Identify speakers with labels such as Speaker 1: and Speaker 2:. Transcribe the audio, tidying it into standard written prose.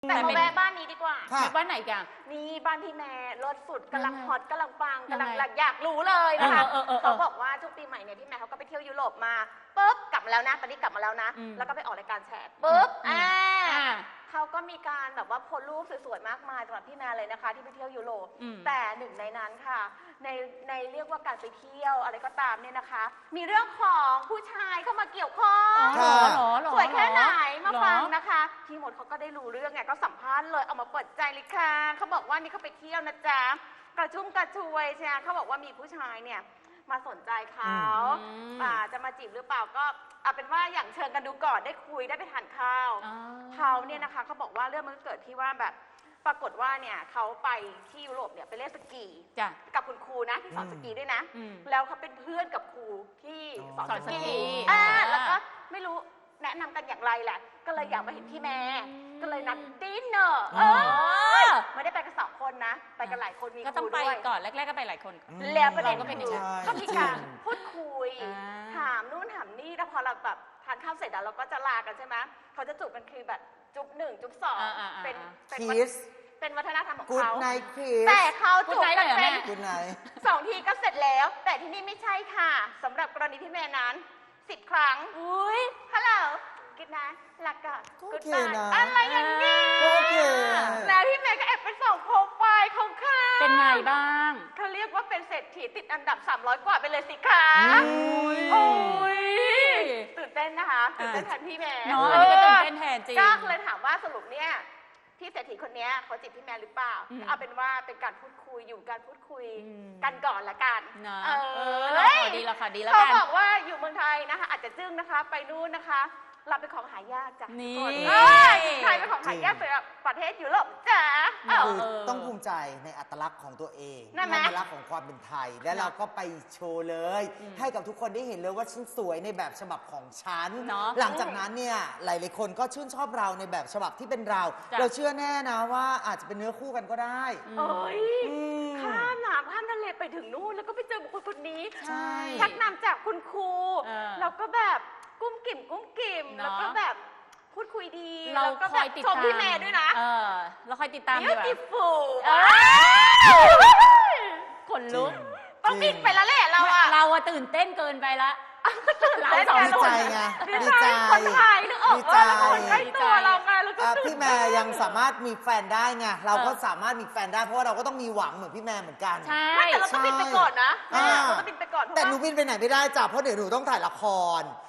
Speaker 1: แต่มาแวะบ้านนี้ดีกว่า
Speaker 2: ค่ะ
Speaker 3: บ้านไหนกัน
Speaker 1: นี่บ้านพี่แม่รถสุดกำลัง
Speaker 3: ยังไง
Speaker 1: ฮอตกำลังปัง
Speaker 3: ยังไง
Speaker 1: กำลังอยากรู้เลยนะคะ
Speaker 3: เออ
Speaker 1: เขาบอกว่าช่วงปีใหม่เนี่ยพี่แม่เขาก็ไปเที่ยวยุโรปมาปุ๊บกลับมาแล้วนะตอนนี้กลับมาแล้วนะ
Speaker 3: อืม
Speaker 1: แล้วก็ไปออกรายการแฉปุ๊บ
Speaker 3: อ่า
Speaker 1: เขาก็มีการแบบว่าโพสต์รูปสวยๆมากมายสำหรับพี่แม่เลยนะคะ ที่ไปเที่ยวยุโรป
Speaker 3: อืม
Speaker 1: แต่หนึ่งในนั้นค่ะ ในเรียกว่าการไปเที่ยวอะไรก็ตามเนี่ยนะคะ มีเรื่องของผู้ชายเข้ามาเกี่ยวข้อง
Speaker 3: อ๋อเหรอ
Speaker 1: สวยแค่ไหนมา
Speaker 3: เหรอ
Speaker 1: ฟังนะคะพี่หมดเขาก็ได้รู้เรื่องไงก็สัมภาษณ์เลยเอามาเปิดใจเลยค่ะเขาบอกว่านี่เขาไปเที่ยวนะจ๊ะกระชุ่มกระชวยใช่ไหมเขาบอกว่ามีผู้ชายเนี่ยมาสนใจเขา จะมาจีบหรือเปล่าก็เอาเป็นว่าอย่างเชิญกันดูก่อนได้คุยได้ไปทานข้าว
Speaker 3: อ๋อ
Speaker 1: เขาเนี่ยนะคะเขาบอกว่าเรื่องมันเกิดที่ว่าแบบปรากฏว่าเนี่ยเขาไปที่ยุโรปเนี่ยไปเล่นสกี
Speaker 3: จ้ะ
Speaker 1: กับคุณครูนะที่สอนสกีด้วยนะ
Speaker 3: อืม
Speaker 1: แล้วเขาเป็นเพื่อนกับครูที่สอน
Speaker 3: สอน
Speaker 1: ส
Speaker 3: สกี
Speaker 1: กี
Speaker 3: อ่า
Speaker 1: แล้วก็ไม่รู้แนะนำกันอย่างไรแหละ ก็เลยอยากมาเห็นพี่แม่ ก็เลยนัดดินเนอร์
Speaker 3: อ๋อ
Speaker 1: ไม่ได้ไปกัน2 คนนะ ไปกันหลายคนมี
Speaker 3: ก็
Speaker 1: ค
Speaker 3: ต้อ
Speaker 1: รู
Speaker 3: งไป
Speaker 1: ด้วย
Speaker 3: ก่อนแรกๆก็ไปหลายคน
Speaker 1: แล้วประเด็น
Speaker 3: เราก็เป็น
Speaker 1: คือ
Speaker 3: อย่างนั้น
Speaker 1: ก็มีการ
Speaker 2: จริง
Speaker 1: พูดคุย
Speaker 3: อ่า
Speaker 1: ถามนู่นถามนี่แล้วพอเราแบบทานข้าวเสร็จแล้วเราก็จะลากันใช่ไหมเขาจะจูบกันคือแบบจุ๊บ1จุ๊บ2เป็น
Speaker 2: คิส
Speaker 1: เป็นวัฒนธรรมของ
Speaker 2: กูด
Speaker 1: เขา
Speaker 2: ไนท์คิส
Speaker 1: แต่เขาจูบกัน
Speaker 3: Good night เลยเหรอ
Speaker 1: เป็
Speaker 3: แม่
Speaker 1: น
Speaker 2: กูดไนท์
Speaker 1: 2 ทีก็เสร็จแล้ว แต่ที่นี่ไม่ใช่ค่ะสำหรับกรณีพี่แม่นั้น10 ครั้ง
Speaker 3: อุ้ย
Speaker 1: ฮัลโหลกินนะหลักก่อน
Speaker 2: ก็
Speaker 1: กูด
Speaker 2: โอเค
Speaker 1: บาย
Speaker 2: นะ
Speaker 1: อะไรอย่างนี้
Speaker 2: ก็โอเค
Speaker 1: แล้วพี่แม่ก็แอบไปส่องโปรไฟล์ของเขา
Speaker 3: เป็นไงบ้าง
Speaker 1: เขาเรียกว่าเป็นเศรษฐีติดอันดับ300 กว่าไปเลยสิคะ
Speaker 2: โอ้
Speaker 1: โอ้ยตื่นเต้นนะคะตื่นเต้นแทนพี่แม่
Speaker 3: เนาะอันนี้ก็ตื่นเต้นแทนจริง
Speaker 1: ก็เลยถามว่าสรุปเนี่ยพี่เศรษฐีคนเนี้ยเขาจีบพี่แม่หรือเปล่า
Speaker 3: อืม
Speaker 1: เอาเป็นว่าเป็นการพูดคุยอยู่การพูดคุย
Speaker 3: อืม
Speaker 1: กันก่อนละกัน
Speaker 3: นะ
Speaker 1: เอ
Speaker 3: เรา
Speaker 1: อ
Speaker 3: ขอดีละค่ะดีแล้ว
Speaker 1: เขา
Speaker 3: กัน
Speaker 1: บอกว่าอยู่เมืองไทยนะคะ อาจจะจึ้งนะคะ ไปนู่นนะคะรับเป็นของหายากจ้ะ
Speaker 3: นี่
Speaker 1: คนไทยเป็นของหายากสำหรับประเทศยุโรปจ้ะเออ
Speaker 2: คือต้องภูมิใจในอัตลักษณ์ของตัวเอง
Speaker 1: นั่นไหม
Speaker 2: อัตลักษณ์ของความเป็นไทย และเราก็ไปโชว์เลย ให้กับทุกคนได้เห็นเลยว่าฉันสวยในแบบฉบับของฉัน
Speaker 3: เนาะ
Speaker 2: หลังจากนั้นเนี่ยหลายๆคนก็ชื่นชอบเราในแบบฉบับที่เป็นเรา
Speaker 3: จ้ะ
Speaker 2: เราเชื่อแน่นะว่าอาจจะเป็นเนื้อคู่กันก็ได้
Speaker 1: เอ้ย
Speaker 2: อืม
Speaker 1: ข้ามน้ำข้ามทะเลไปถึงนู่นแล้วก็ไปเจอบุคคลคนนี้
Speaker 3: ใช่
Speaker 1: ชักนำจากคุณครู
Speaker 3: เออ
Speaker 1: แล้วก็แบบกุ้มกิ่มกุ้มกิ่ม
Speaker 3: เนอะ
Speaker 1: แล้วก็แบบพูดคุยดี
Speaker 3: เรา
Speaker 1: แล้วก็
Speaker 3: ค
Speaker 1: แบ
Speaker 3: อย
Speaker 1: บ
Speaker 3: ติด
Speaker 1: ชม
Speaker 3: ตาม
Speaker 1: พี่แม่ด้วยนะ
Speaker 3: เราคอยติดตามดีกว่า
Speaker 1: beautiful
Speaker 3: ขนลุก
Speaker 1: ต้องบินไปแล้วแหละเราอะ
Speaker 3: เราอะตื่นเต้นเกินไปละ เรา
Speaker 1: เต้น
Speaker 3: สอง
Speaker 1: กัน
Speaker 2: ดี
Speaker 3: ค
Speaker 2: ใจ
Speaker 3: น
Speaker 2: ไง
Speaker 1: ดี
Speaker 2: ดี
Speaker 1: ใจ
Speaker 2: ใจ
Speaker 1: คนไทยนึกออก
Speaker 2: ดี
Speaker 1: เอ
Speaker 2: ใจ
Speaker 1: อคนใกล้ตัวเราไงแล้วก็
Speaker 2: พี่แม่ยังสามารถมีแฟนได้ไงเราก็
Speaker 3: เออ
Speaker 2: สามารถมีแฟนได้เพราะว่าเราก็ต้องมีหวังเหมือนพี่แม่เหมือนกัน
Speaker 3: ใช่
Speaker 1: ไม่แต่เราต้องบินไปก่อนนะ
Speaker 2: อ่า
Speaker 1: เราต้องบินไปก่อนเพราะ
Speaker 2: แต่
Speaker 1: ว่า
Speaker 2: หนูบินไปไหนไม่ได้จ้ะเพราะเดี๋ยวหนูต้องถ่ายละคร